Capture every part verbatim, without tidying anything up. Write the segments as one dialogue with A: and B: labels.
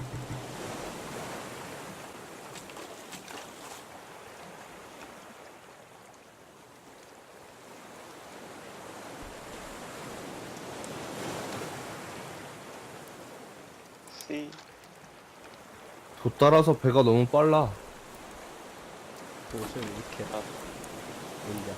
A: C.
B: 도 따라서 배가 너무 빨라.
C: 도시를 이렇게
A: 아,
C: 올려.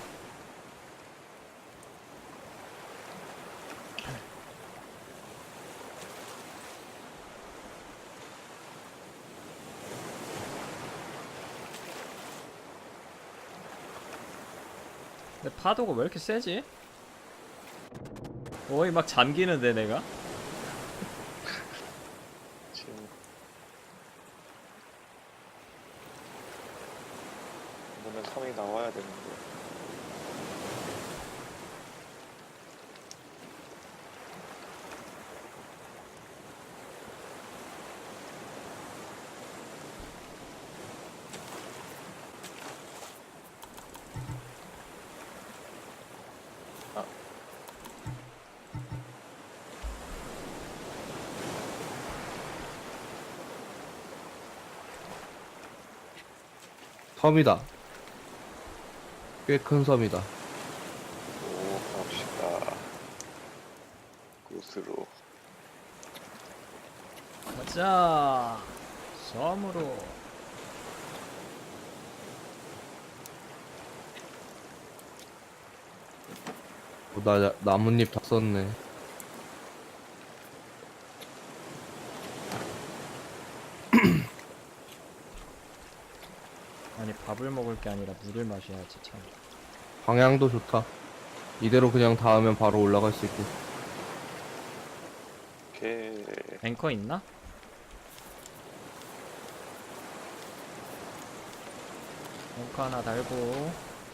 C: 근데 파도가 왜 이렇게 세지? 거의 막 잠기는데 내가?
A: 지금 이번엔 섬이 나와야 되는데. 아,
B: 섬이다. 꽤 큰 섬이다.
A: 오, 갑시다. 곳으로.
C: 가자. 섬으로.
B: 어, 나 나뭇잎 다 썼네.
C: 아니 밥을 먹을 게 아니라 물을 마셔야지 참.
B: 방향도 좋다. 이대로 그냥 닿으면 바로 올라갈 수 있고.
A: 오케이.
C: 앵커 있나? 앵커 하나 달고.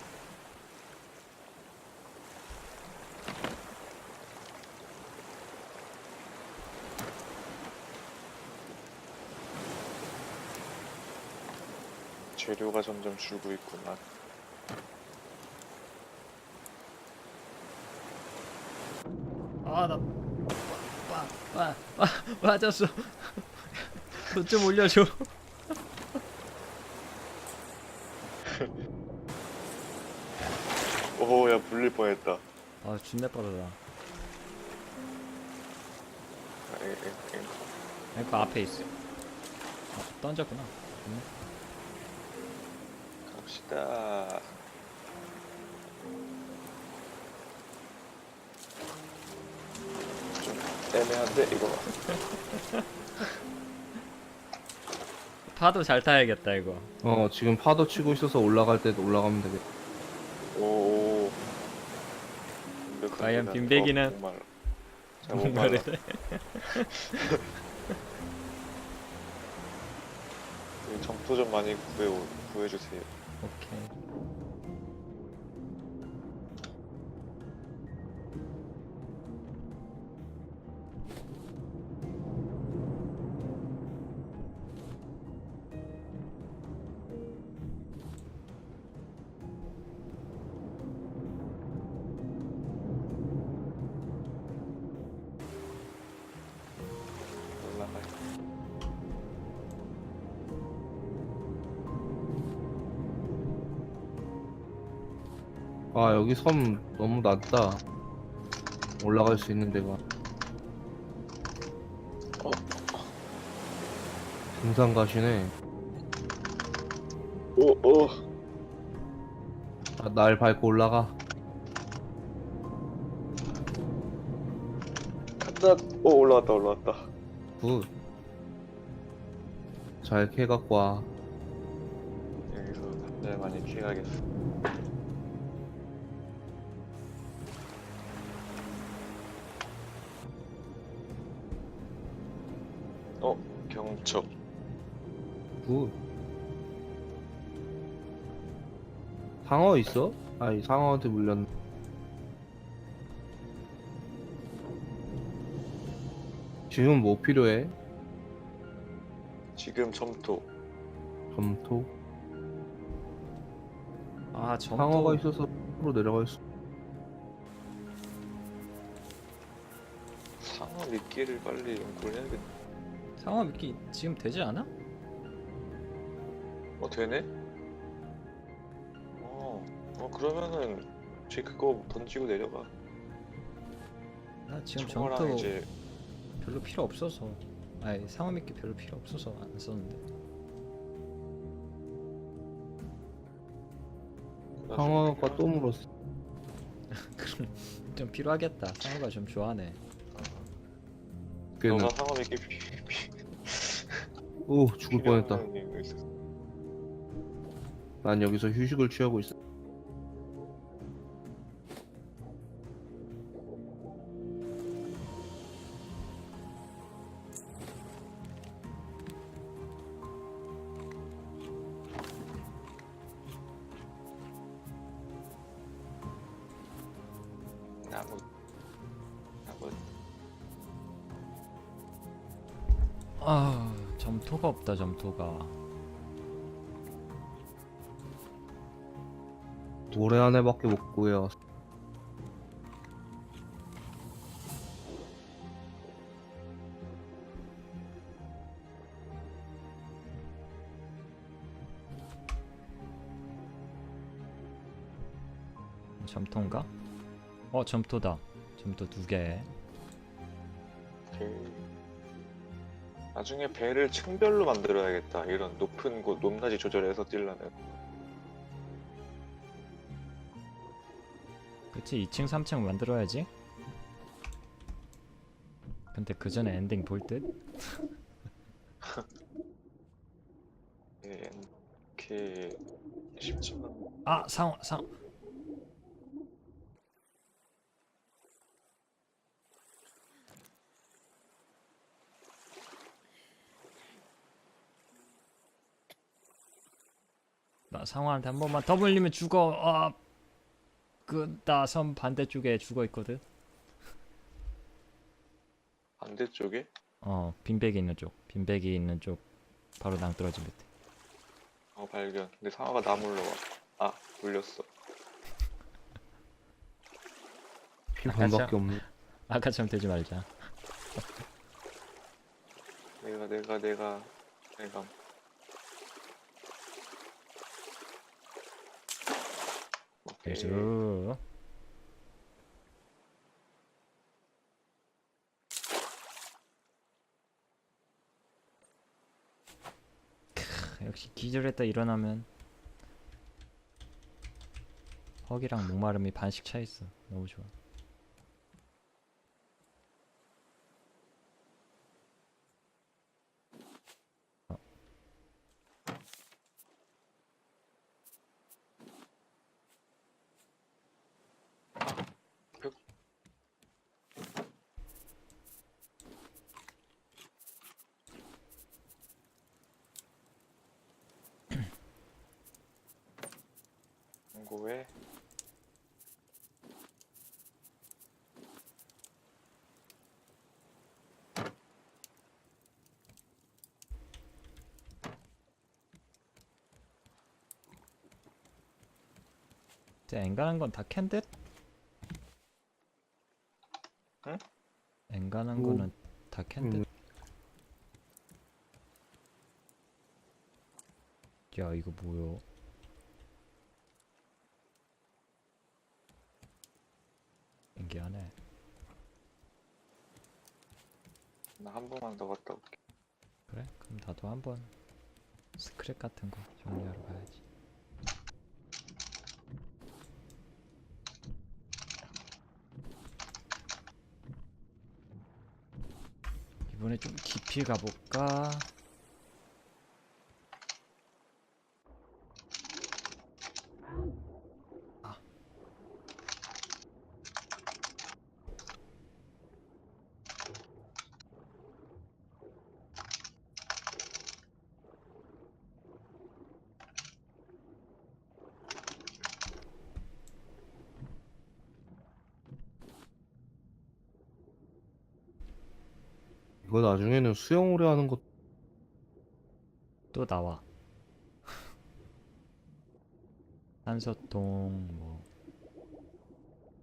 A: 재료가 점점 줄고 있구만.
C: 아, 나, 빠, 빠, 빠, 맞았어. 돈 좀 올려줘.
A: 오, 야, 물릴 뻔했다.
C: 아, 준내 빠르다.
A: 아, 에, 에, 에.
C: 앵커 앞에 있어. 아, 던졌구나. 음.
A: 갑시다. 좀 애매한데 이거.
C: 파도 잘 타야겠다, 이거.
B: 어, 지금 파도 치고 있어서 올라갈 때도 올라가면 되겠다.
A: 오.
C: 과연 빈배기는?
A: 어, 목말. 자, 목말라.
C: 목마르네.
A: 점토 좀 많이 구해 구해주세요.
C: 오케이.
A: 올라가.
B: 아, 여기 섬 너무 낮다. 올라갈 수 있는 데가.
A: 어,
B: 등산 가시네.
A: 오, 오.
B: 아, 날 밟고 올라가.
A: 간다. 오, 올라왔다, 올라왔다.
B: 굿. 잘 캐갖고 와.
A: 여기서 잘 많이 키가겠어. 어, 경첩.
B: 굿. 상어 있어? 아이, 상어한테 물렸네. 지금 뭐 필요해?
A: 지금 점토.
B: 점토?
C: 아, 점토.
B: 상어가 있어서 으로 내려갈 수.
A: 상어 미끼를 빨리 연구를 해야겠네.
C: 상어 미끼 지금 되지 않아?
A: 어 되네? 어, 어 그러면은 쟤 그거 던지고 내려가.
C: 나 지금
A: 청어랑
C: 점토
A: 이제
C: 별로 필요 없어서. 아니 상어 미끼 별로 필요 없어서 안 썼는데.
A: 나중에
B: 상어가
A: 필요한-
B: 또 물었어.
C: 그럼 좀 필요하겠다. 상어가 좀 좋아하네.
B: 걔는
A: 너가 상어 몇개 피- 피-
B: 오 죽을 뻔했다.
A: 필요한 이유가 있었어.
B: 난 여기서 휴식을 취하고 있어.
A: 나무 나무
C: 아 점토가 없다 점토가.
B: 모래 안에밖에 못 구해요.
C: 점토인가? 어 점토다. 점토 두 개.
A: 그 나중에 배를 층별로 만들어야겠다. 이런 높은 곳 높낮이 조절해서 뛰려면.
C: 그치 이 층 삼 층 만들어야지. 근데 그 전에 엔딩 볼 듯?
A: 예, 이렇게 쉽지만
C: 아 상어 상어. 나 상어한테 한 번만 더 물리면 죽어. 아, 그 나 섬 반대쪽에 죽어 있거든.
A: 반대쪽에
C: 어, 빈백이 있는 쪽. 빈백이 있는 쪽 바로 낭떠러지 밑에.
A: 어 발견. 근데 상어가 나 물러와. 아 물렸어.
B: 피
C: 아까
B: 반밖에
C: 참-
B: 없네.
C: 아까처럼 되지 말자.
A: 내가 내가 내가 내가 오케이.
C: 그래서 크, 역시 기절했다 일어나면 허기랑 목마름이 반씩 차 있어. 너무 좋아. 어.
A: 광고에
C: 진짜 엔간한 건 다 캔 듯?
A: 응?
C: 엔간한
B: 오.
C: 거는 다 캔 듯?
B: 음.
C: 야 이거 뭐요? 신기하네.
A: 나 한 번만 더 갔다 올게.
C: 그래? 그럼 나도 한번 스크랩 같은 거 정리하러 가야지. 이번에 좀 깊이 가볼까? 아.
B: 이거 나중에는 수영 오래 하는 것.
C: 또 나와. 산소통 뭐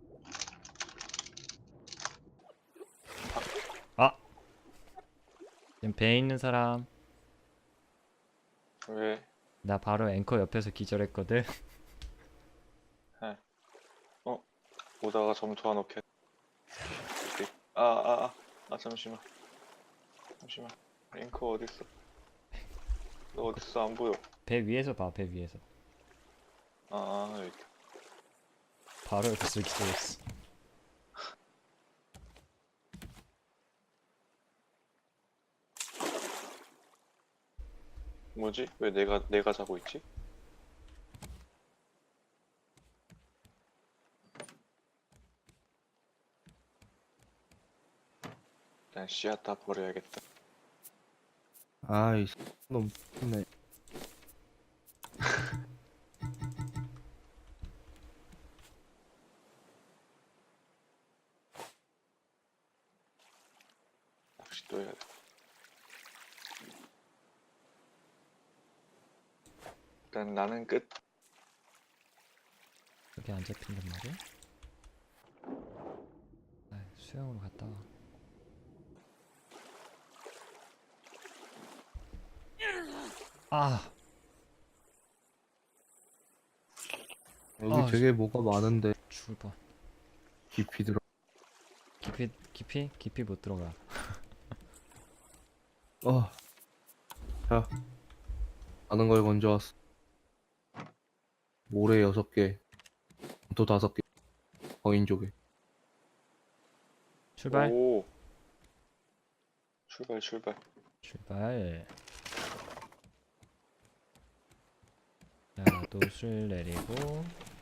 C: 아! 지금 배에 있는 사람.
A: 왜?
C: 나 바로 앵커 옆에서 기절했거든.
A: 어? 오다가 점토 하나 넣게. 아, 아, 아, 아, 잠시만. 잠시만. 앵커 어딨어? 너 어딨어? 안 보여.
C: 배 위에서 봐, 배 위에서.
A: 아, 여기 있다.
C: 바로 옆에서 기절했어.
A: 뭐지? 왜 내가, 내가 자고 있지? 일단 씨앗 다 버려야겠다.
B: 아이, 너무 네.
A: 낚시 또 해야 돼. 일단 나는 끝.
C: 여기 안 잡힌단 말이야? 아, 수영으로 갔다 와. 아,
B: 여기
C: 아,
B: 되게 뭐가 많은데
C: 죽을 뻔.
B: 깊이 들어.
C: 깊이, 깊이? 깊이 못 들어가.
B: 어. 자, 많은 걸 건져왔어. 모래 여섯 개, 또 다섯 개. 거인족에.
C: 출발.
A: 오. 출발, 출발.
C: 출발. 자, 돛을 내리고.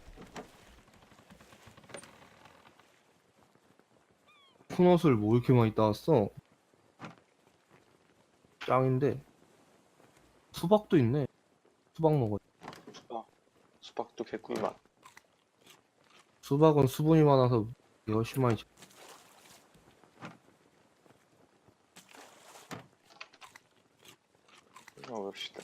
B: 큰 옷을 뭐 이렇게 많이 따왔어? 짱인데. 수박도 있네. 수박 먹어.
A: 수박. 수박도 개꿀맛.
B: 수박은 수분이 많아서 이게 훨씬 많이. 자-
A: 먹읍시다.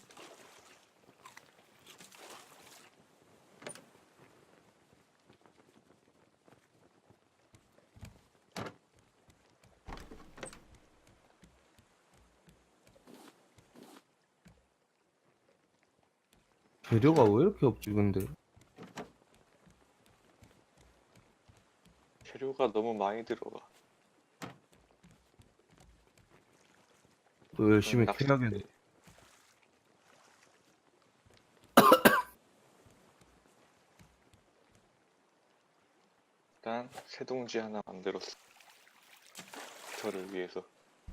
B: 재료가 왜 이렇게 없지 근데?
A: 재료가 너무 많이 들어가.
B: 또 열심히
A: 낚시
B: 캐야겠네.
A: 때 일단 새동지 하나 만들었어. 저를 위해서.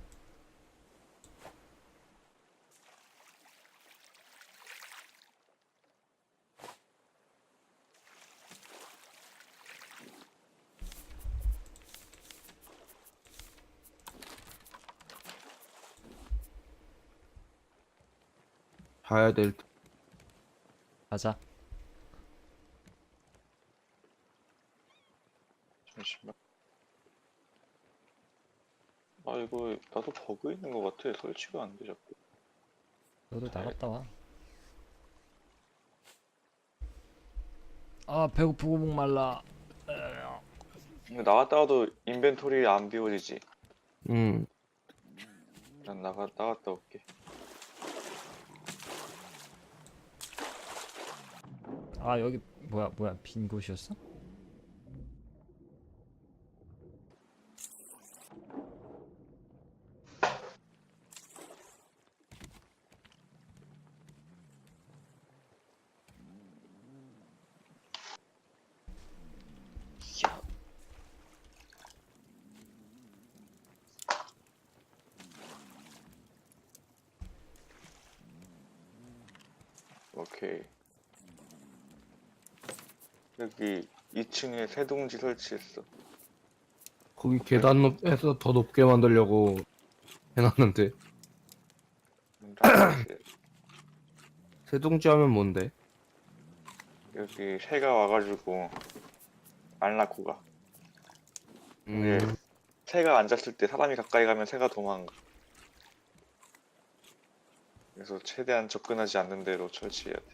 B: 자야 될 듯.
C: 가자.
A: 잠시만. 아 이거 나도 버그 있는 것 같아. 설치가 안 돼 자꾸.
C: 너도
A: 잘-
C: 나갔다 와. 아, 배고프고 목말라.
A: 근데 나갔다 와도 인벤토리 안 비워지지.
B: 음.
A: 난 나가 나갔다 올게.
C: 아, 여기 뭐야, 뭐야, 빈 곳이었어?
A: 야. 오케이. 여기 이 층에 새동지 설치했어.
B: 거기 계단 높에서 더 높게 만들려고 해놨는데.
A: 음, 라이트.
B: 세동지 하면 뭔데?
A: 여기 새가 와가지고 안 낳고 가.
B: 음.
A: 네. 새가 앉았을 때 사람이 가까이 가면 새가 도망가. 그래서 최대한 접근하지 않는 대로 설치해야 돼.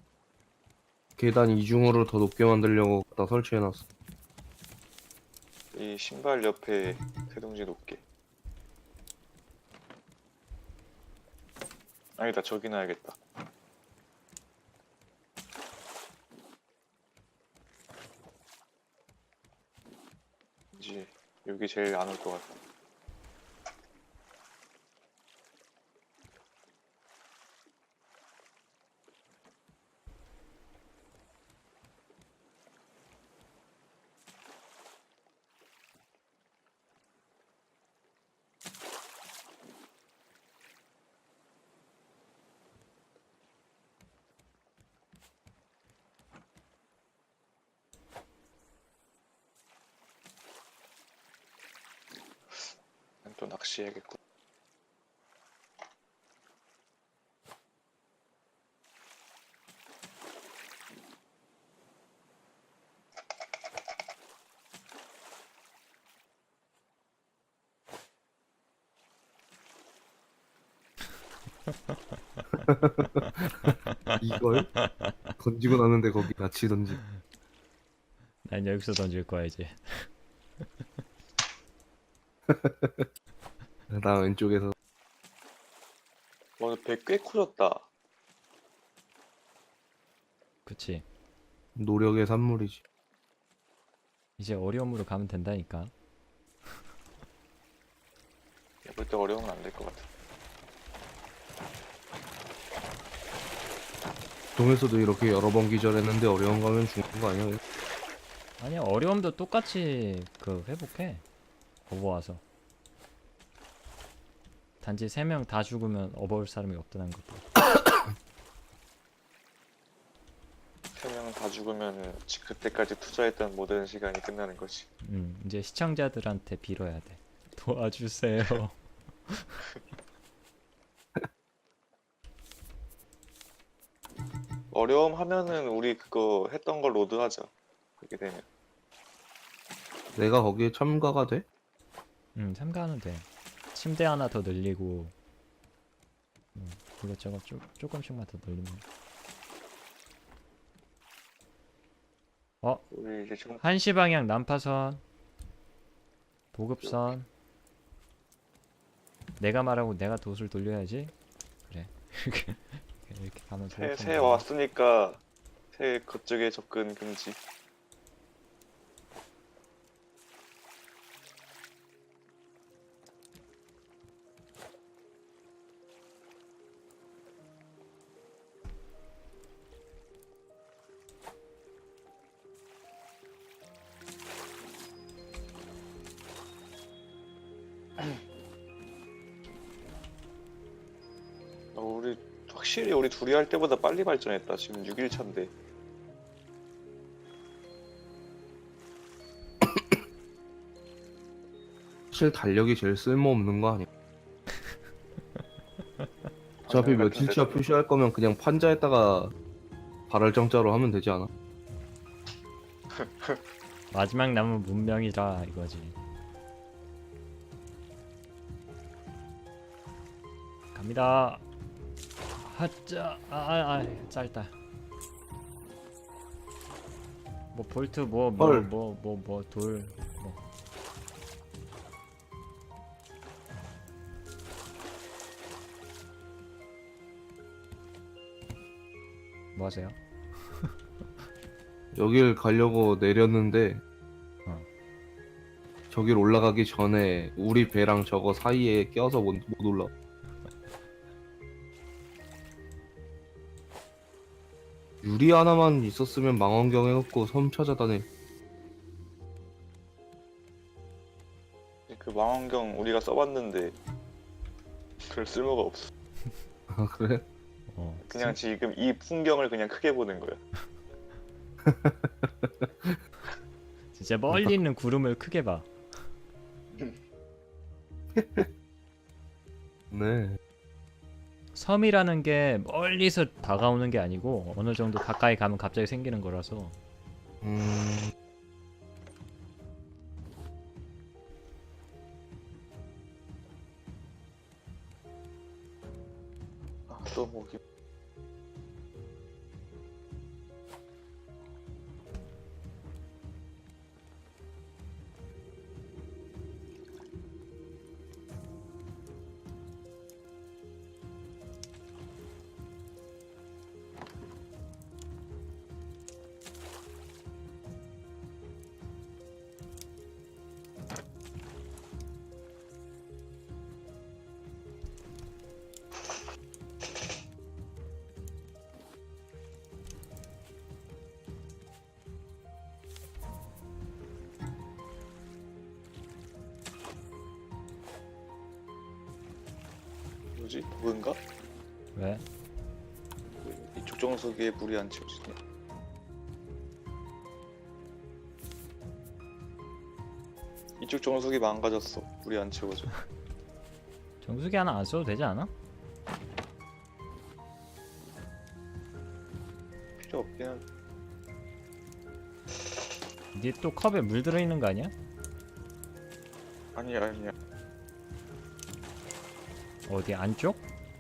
B: 계단 이중으로 더 높게 만들려고 다 설치해놨어.
A: 이 신발 옆에 세동지 놓게. 아니다, 저기 놔야겠다. 이제 여기 제일 안 올 것 같아. 난 또 낚시해야겠고.
B: 이걸 던지고 나는데 거기 같이 던지.
C: 난 여기서 던질 거야 이제.
B: 나 왼쪽에서.
A: 와, 배 꽤 커졌다.
C: 그치.
B: 노력의 산물이지.
C: 이제 어려움으로 가면 된다니까.
A: 해볼 때 어려우면 안 될 것 같아.
B: 동에서도 이렇게 여러 번 기절했는데 어려운 가면 죽는 거 아니야?
C: 아니야, 어려움도 똑같이 그 회복해. 업어 와서. 단지 세 명 다 죽으면 업어올 사람이 없다는 것도.
A: 세 명 다 죽으면 그때까지 투자했던 모든 시간이 끝나는 거지.
C: 음, 이제 시청자들한테 빌어야 돼. 도와주세요.
A: 어려움 하면은 우리 그거 했던 걸 로드하자. 그렇게 되면.
B: 내가 거기에 참가가 돼?
C: 음, 참가하면 돼. 침대 하나 더 늘리고, 음, 이것저것 쪼, 조금씩만 더 늘리면. 어,
A: 우리 이제 좀
C: 한시 방향 난파선, 보급선. 내가 말하고 내가 돛을 돌려야지. 그래. 이렇게 이렇게 가면
A: 새,
C: 보급선
A: 새
C: 돌려.
A: 왔으니까 새 그쪽에 접근 금지. 어, 우리 확실히 우리 둘이 할 때보다 빨리 발전했다. 지금 육 일 차인데.
B: 사실 달력이 제일 쓸모없는 거 아니야? 어차피
A: 방금
B: 며칠차
A: 같은데.
B: 표시할 거면 그냥 판자에다가 발열 정자로 하면 되지 않아?
C: 마지막 남은 문명이라 이거지. 갑니다. 하짜, 아, 아, 아, 짧다. 뭐 볼트, 뭐, 뭐,
B: 헐.
C: 뭐, 뭐, 뭐, 돌, 뭐. 뭐 하세요?
B: 여길 가려고 내렸는데
C: 어.
B: 저길 올라가기 전에 우리 배랑 저거 사이에 껴서 못, 못 올라. 유리 하나만 있었으면 망원경 해갖고 섬 찾아다니.
A: 그 망원경 우리가 써봤는데 별 쓸모가 없어.
B: 아 그래?
C: 어,
A: 그냥 지금 이 풍경을 그냥 크게 보는 거야.
C: 진짜 멀리 있는 구름을 크게 봐.
B: 네.
C: 섬이라는 게 멀리서 다가오는 게 아니고 어느 정도 가까이 가면 갑자기 생기는 거라서.
B: 음.
A: 아, 또 모기. 채우지? 버그인가?
C: 왜?
A: 이쪽 정수기에 물이 안 채워지냐? 이쪽 정수기 망가졌어. 물이 안 채워져.
C: 정수기 하나 안 써도 되지 않아?
A: 필요 없긴 한데.
C: 니 또 컵에 물 들어있는 거 아니야?
A: 아니야 아니야.
C: 어디 안쪽?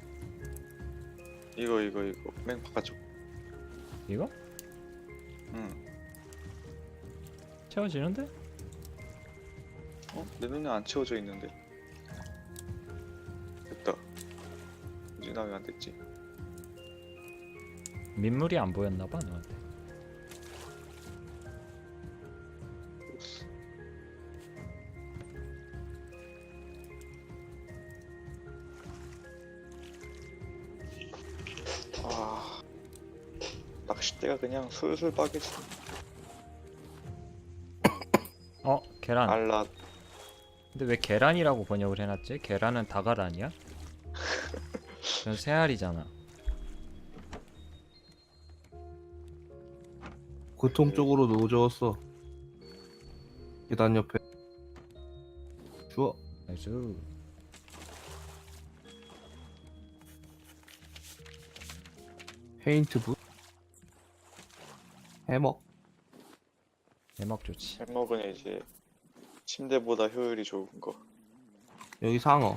A: 이거 이거 이거 맨 바깥쪽.
C: 이거?
A: 응.
C: 채워지는데?
A: 어? 내 눈에 안 채워져 있는데. 됐다. 이제 나왜 안 됐지?
C: 민물이 안 보였나봐 너한테.
A: 됐어. 아, 낚싯대가 그냥 술술 빠겠어.
C: 어? 계란.
A: 알라.
C: 근데 왜 계란이라고 번역을 해놨지? 계란은 닭알 아니야? 그건 새알이잖아.
B: 고통 쪽으로 노져왔어. 계단 옆에. 주워.
C: 나이스.
B: 페인트 붓. 해먹.
C: 대먹 좋지.
A: 해먹은 이제 침대보다 효율이 좋은 거.
B: 여기 상어.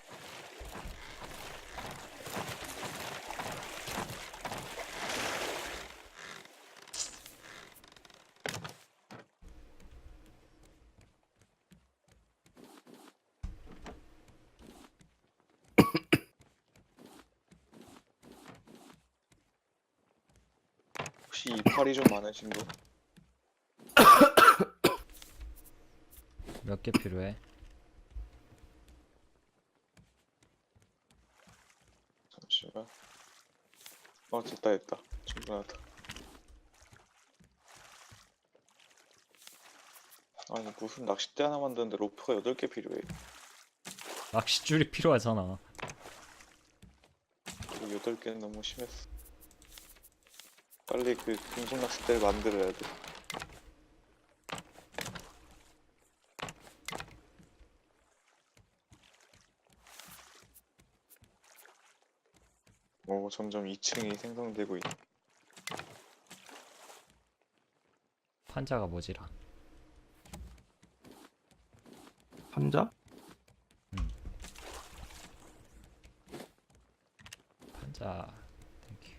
A: 혹시 이파리 좀 많으신 분?
C: 몇 개 필요해?
A: 잠시만. 어 됐다 됐다. 충분하다. 아니 무슨 낚싯대 하나 만드는데 로프가 여덟 개 필요해.
C: 낚싯줄이 필요하잖아.
A: 여덟 개는 너무 심했어. 빨리 그 금속 낚싯대를 만들어야 돼. 오, 점점 이 층이 생성되고 있네.
C: 판자가 뭐지라.
B: 판자?
C: 판자. 땡큐.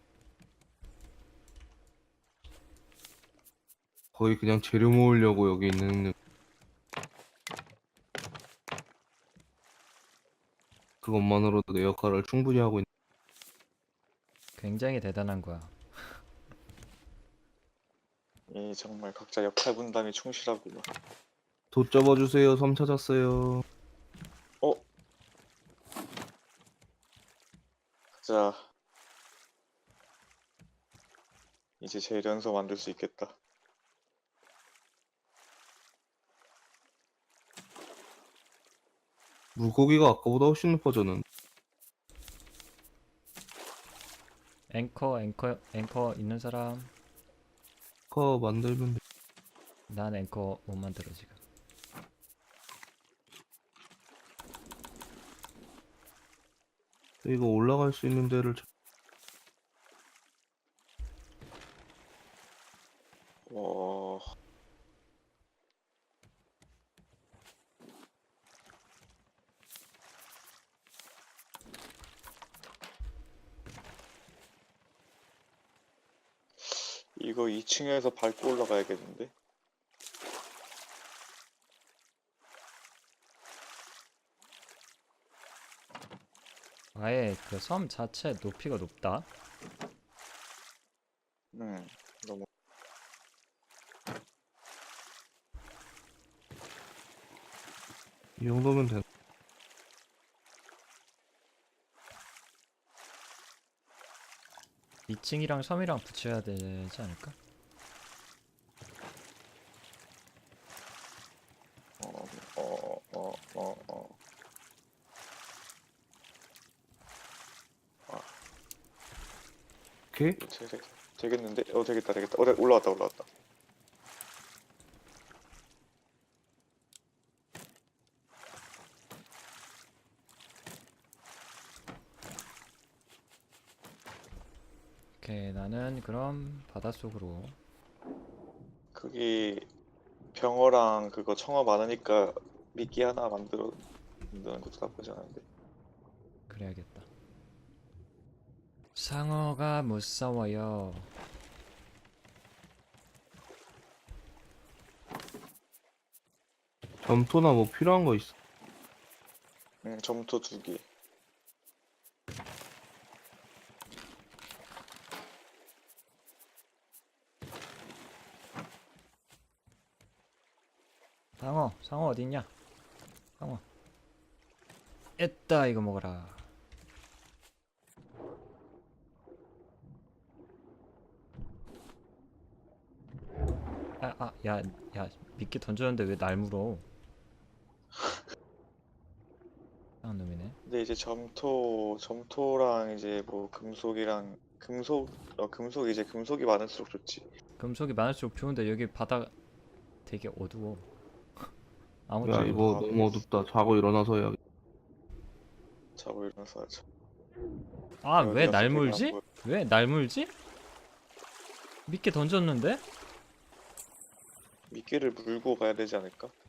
B: 거의 그냥 재료 모으려고 여기 있는. 그것만으로도 내 역할을 충분히 하고 있는.
C: 굉장히 대단한 거야.
A: 이 정말 각자 역할 분담이 충실하구만.
B: 돛 접어주세요. 섬 찾았어요.
A: 어? 자, 이제 재련소 만들 수 있겠다.
B: 물고기가 아까보다 훨씬 높아졌는.
C: 앵커 앵커 앵커 있는 사람.
B: 커 만들면 돼.
C: 난 앵커 못 만들어 지금.
B: 이거 올라갈 수 있는 데를 찾-
A: 와, 이거 이 층에서 밟고 올라가야겠는데?
C: 아예 그 섬 자체 높이가 높다.
A: 음, 너무
B: 이 정도면 돼.
C: 이 층이랑 섬이랑 붙여야 되지 않을까?
A: 어, 어, 어, 어, 어.
B: 오케이.
A: 되, 되, 되겠는데? 어 되겠다 되겠다. 어 되- 올라왔다 올라왔다.
C: 오케이, 나는 그럼 바닷속으로.
A: 거기 병어랑 그거 청어 많으니까 미끼 하나 만들어 만드는 것도 나쁘지 않은데.
C: 그래야겠다. 상어가 무서워요.
B: 점토나 뭐 필요한 거 있어?
A: 음 점토 두 개.
C: 상어, 상어 어딨냐? 상어. 에따, 이거 먹어라. 아, 아, 야, 야, 미끼 던졌는데 왜 날 물어? 이상한 놈이네.
A: 근데 이제 점토 점토랑 이제 뭐 금속이랑 금속 어 금속 이제 금속이 많을수록 좋지.
C: 금속이 많을수록 좋은데 여기 바다 되게 어두워. 아무튼
B: 야 이거
A: 아,
B: 너무 어둡다. 자고 일어나서 해야.
A: 자고 일어나서 하자.
C: 아,
A: 어디
C: 왜
A: 갔어?
C: 날
A: 배가 안
C: 물지?
A: 보여.
C: 왜 날 물지? 미끼 던졌는데?
A: 미끼를 물고 가야 되지 않을까?